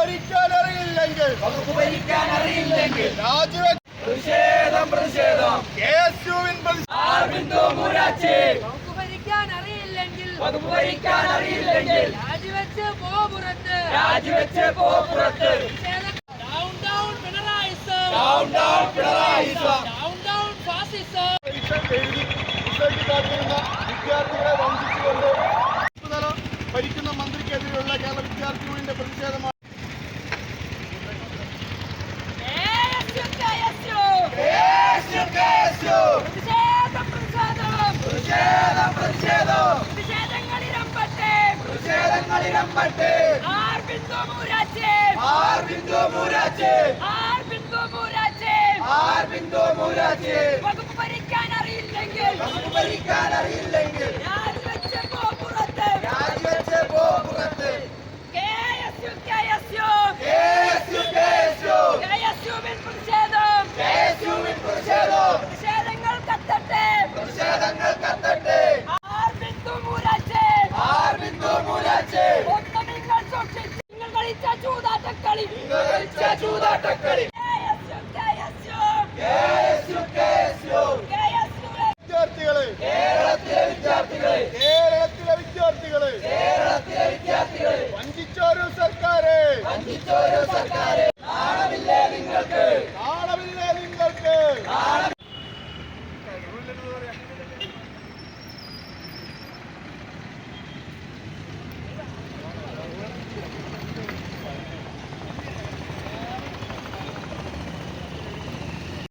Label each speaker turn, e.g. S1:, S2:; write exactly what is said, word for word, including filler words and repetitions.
S1: ഭരിക്കാൻ അറിയില്ലെങ്കിൽ
S2: വകുപ്പ് ഭരിക്കാൻ അറിയില്ലെങ്കിൽ
S1: രാജിവെച്ച്
S2: പ്രതിഷേധം പ്രതിഷേധം
S1: യേശുവിൻ
S2: ആർ ബിന്ദു മൂരാച്ചി
S3: വകുപ്പ് ഭരിക്കാൻ അറിയില്ലെങ്കിൽ
S2: വകുപ്പ് ഭരിക്കാൻ അറിയില്ലെങ്കിൽ
S3: രാജിവെച്ച് പോ പുറത്ത്
S2: രാജിവെച്ച് പോ പുറത്ത്
S3: ഡൗൺ ഡൗൺ പിണറായിസം
S2: ഡൗൺ ഡൗൺ പിണറായിസം
S3: ഡൗൺ ഡൗൺ ഫാസിസം
S1: റിസൾട്ട് കാത്തിരുന്ന വിദ്യാർത്ഥികളെ വഞ്ചിച്ചുകൊണ്ട് തല ഭരിക്കുന്ന മന്ത്രിക്കെതിരെയുള്ള കേരള വിദ്യാർത്ഥി യൂണിയന്റെ പ്രതിഷേധമാണ്.
S3: ആർ ബിന്ദു മൂരാച്ചി
S2: ആർ ബിന്ദു മൂരാച്ചി
S3: ആർ ബിന്ദു മൂരാച്ചി
S2: ആർ ബിന്ദു മൂരാച്ചി
S3: വകുപ്പ് ഭരിക്കാൻ അറിയില്ലെങ്കിൽ
S2: വകുപ്പ് ഭരിക്കാൻ അറിയില്ലെങ്കിൽ